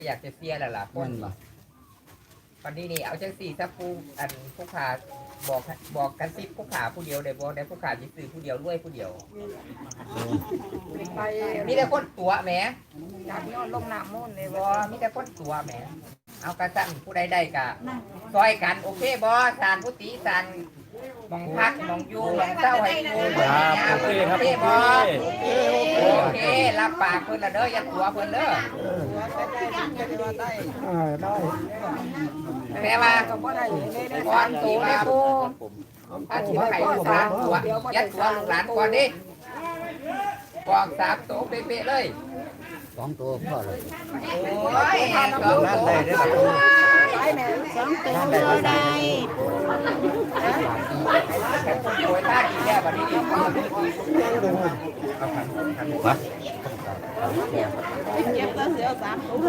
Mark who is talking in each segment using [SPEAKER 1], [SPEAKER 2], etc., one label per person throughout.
[SPEAKER 1] อยากจะเสียแล้วล่ะคนวันนี้นี่เอาจังสี่ถ้าผู้ขาบอกกันสิผู้ขาผู้เดียวได้บอกได้ผู้ขาจะซื้อผู้เดียวรวยผู้เดียวมีแต่คนตัวแหมอยากย้อนลงน้ำมุ่นเลยบอมีแต่คนตัวแหมเอากระสั่นผู้ใดได้กะซอยกันโอเคบอสานผู้ตีสานมองพักมองยูมองเศร้าให้กูโอเคบอโอเครับปากเพิ่นละเด้ออย่าตัวเพิ่นเด้อได้แม่ว่าก่อนตัวมาปูถ้าถือว่าไข่สามตัวยัดตัวลูกหลานก่อนดิบอก3 ตัวเป๊ะๆเลย
[SPEAKER 2] 2 ตัวพ่อเลย
[SPEAKER 1] โอ้ย2 ตัวได้2 ตัว
[SPEAKER 3] ได้
[SPEAKER 1] โอ้ยตาดีแค่วันนี้ดี
[SPEAKER 3] เก็บก็เสีย3 ตัว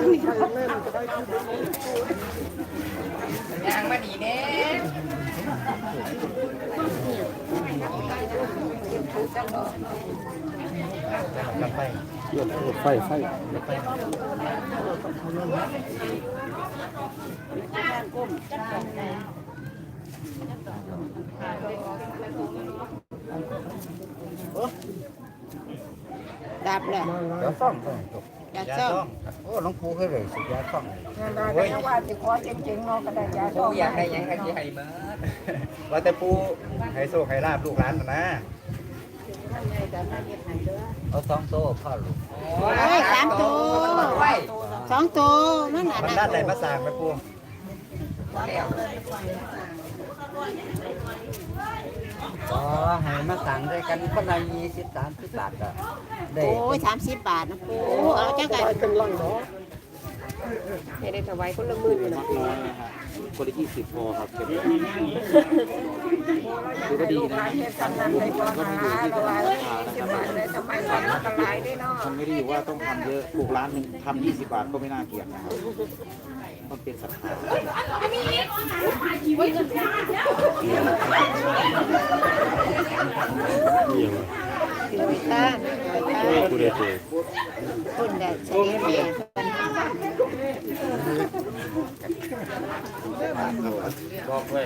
[SPEAKER 1] ยังมาดีเน่
[SPEAKER 2] ไฟ
[SPEAKER 3] ดับแล้ว
[SPEAKER 2] ยาซ่อง
[SPEAKER 3] ยาซ่อง
[SPEAKER 2] โอ้หลวงปู่เคยเลยสิยาซ่อง
[SPEAKER 4] โอ้ยว่าสิขอจริงๆเนาะก็ได้ยา
[SPEAKER 1] ปูอยากได้ยังกันที่ให้เมื่อ
[SPEAKER 5] ว่าแต่ปูให้โชคให้ลาบลูกหลานนะ
[SPEAKER 2] เอา2 ตัวพ่อลูก
[SPEAKER 1] โอ้ย3 ตัว
[SPEAKER 3] 2 ตัวนั่นน่ะ
[SPEAKER 5] มันด้านไหนมาสร้างไหมปู
[SPEAKER 2] อ๋อให้มาสั่งด้วยกันคนละ20 30 บาทก็ได้
[SPEAKER 3] โอ้ย30 บาทนะปูเอาจังไง
[SPEAKER 4] ให้ได้ถวายคนละ10,000อยู่นะ
[SPEAKER 6] คนละ20 พอครับเก็บคือก็ดีนะ
[SPEAKER 4] เฮ็ดสำนักให้บ่หาละว่า20 บาทได้ทำไมก่อนก็หลายได้เนาะ
[SPEAKER 6] มันไม่ได้อยู่ว่าต้องทำเยอะปลูกร้านหนึ่งทำ20 บาทก็ไม่น่าเกลียดนะครับมันเป็นศรัทธา
[SPEAKER 3] คุณได้ใช้เมีย
[SPEAKER 6] บอกไว้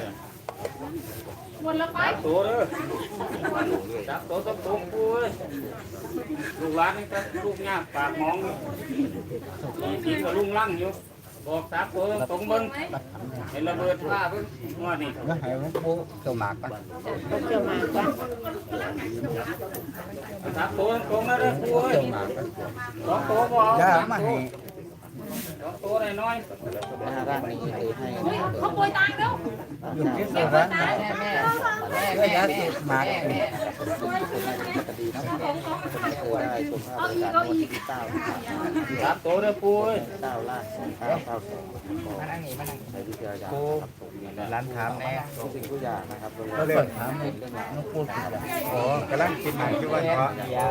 [SPEAKER 6] ตัวเด้อจับตัวต้องตรงปูเลยลูกหลานนี่ก็ลูกยากปากมองมีกับลุงลั่งอยู่บอกจับตัวตรงมึงเห็นระเบิดว่าเพิ่งว่านี่
[SPEAKER 2] แล้วให้หลวงปู่เจ้าหมากก่อน
[SPEAKER 3] เจ้ามาก่อน
[SPEAKER 6] จับตัวตรงนะเด้อปูเอ้ย
[SPEAKER 2] เจ้าหมากก่อน
[SPEAKER 6] 2 ตัวบ่เอา
[SPEAKER 2] ย่า
[SPEAKER 6] 3
[SPEAKER 2] มา
[SPEAKER 6] ตัว
[SPEAKER 2] ให้
[SPEAKER 6] 2 ตัวน้อยๆ
[SPEAKER 2] ด้านนี้ให้
[SPEAKER 3] เขาป่วยตายแล้ว
[SPEAKER 2] อยู่ที่สุร้าน
[SPEAKER 1] แม่
[SPEAKER 2] ยาสูบหมาก
[SPEAKER 6] ได้ชมภาพบรรยากาศวันที่9 3 ตัวเด้อปูเอ้ย9 ล้าน
[SPEAKER 1] มานั่งนี่มานั่ง
[SPEAKER 6] ใช้วิทยาศาสตร์
[SPEAKER 5] ปูร้านถามแน่
[SPEAKER 6] ทุกสิ่งทุกอย่างนะครับ
[SPEAKER 2] ก็เลยถามให้หลวงปู่สิจ้ะ
[SPEAKER 5] อ๋อกำลังกินหมากคือว่าเพราะ
[SPEAKER 1] เดียว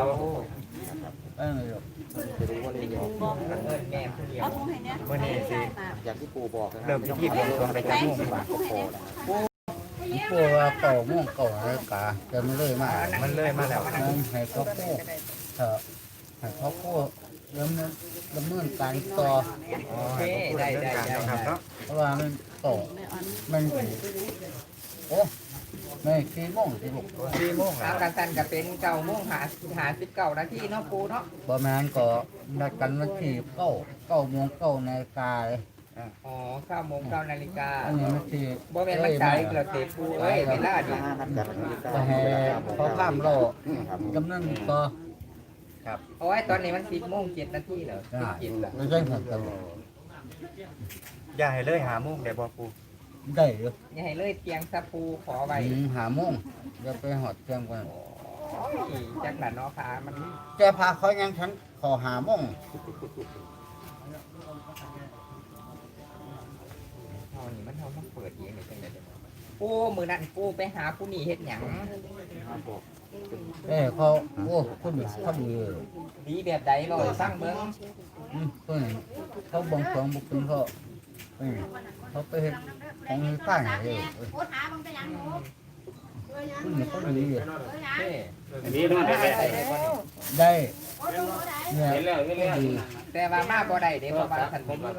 [SPEAKER 6] จะรู้ว่าเรื่อง
[SPEAKER 1] แม่ผู้เดียว
[SPEAKER 5] วันนี้สิ
[SPEAKER 6] อย่างที่ปูบอกนะ
[SPEAKER 5] เริ่มพิธีบวงสรวงไปจากมุ่ง
[SPEAKER 6] บาทก็พอนะครับ
[SPEAKER 2] ปู่ว่าเก่าม่วงเก่าอะไรกาจะไม่เลยมา
[SPEAKER 5] มันเลยมาแล้ว
[SPEAKER 2] ให้เขาพูดให้เขาพูดแล้วมันดำเนินการต่อ
[SPEAKER 5] อ๋อให้ผมพูดเรื่องการนะครับเนาะ
[SPEAKER 2] เพราะว่ามันต่อมันโอ้ไม่4 โมงสิลูก
[SPEAKER 5] 4 โมง
[SPEAKER 1] เอากันสั่นกับเป็น9 โมงหา19 นาทีเนาะปูเนาะ
[SPEAKER 2] ประมาณก็นัดกันวันที่9 โมง 9 นาฬิกาเลย
[SPEAKER 1] อ๋อ9 โมง 9 นาฬิกา
[SPEAKER 2] อันนี้มันที่
[SPEAKER 1] บ่แม่นมันใจกระเตะปูเอ้ยเวลาดิ
[SPEAKER 6] นัดกันวันที่
[SPEAKER 2] ก็ให้เขาข้ามรอดำเนินต่อ
[SPEAKER 1] โอ้ยตอนนี้มัน10 โมง 7 นาทีแล้ว
[SPEAKER 2] ได้
[SPEAKER 1] 17แล้ว
[SPEAKER 2] ไม่ใช่หัวตลอด
[SPEAKER 5] อย่าให้เลยหามุ่งเดี๋ยวบอกปู
[SPEAKER 2] ได้อยู่
[SPEAKER 1] อย่าให้เลยเตียงสะปูขอไว้
[SPEAKER 2] หาโมงจะไปหอดเตรียมกัน
[SPEAKER 1] จักหลานเนาะพามัน
[SPEAKER 2] จะพาเขายังฉันขอหาโมง
[SPEAKER 1] เฮานี่มันเฮามาเปิดเองนี่จังได๋ปูมื้อนั้นปูไปหาผู้นี่เฮ็ดหยัง
[SPEAKER 2] เขาโอ้คุณเขาดี
[SPEAKER 1] ดีแบบใดเว้าให้ฟังเบิ่ง
[SPEAKER 2] คุณเขาบังสองบุกเป็นเขาไปเห็นของข้างเลยคุณเขาดี
[SPEAKER 1] เด้
[SPEAKER 6] นี้นู่นได้
[SPEAKER 2] ได้เนี่ย
[SPEAKER 6] เห็นแล้ว
[SPEAKER 2] ดี
[SPEAKER 1] แต่ว่ามาบ่ได้เด้เพราะว่าท่านบ่มี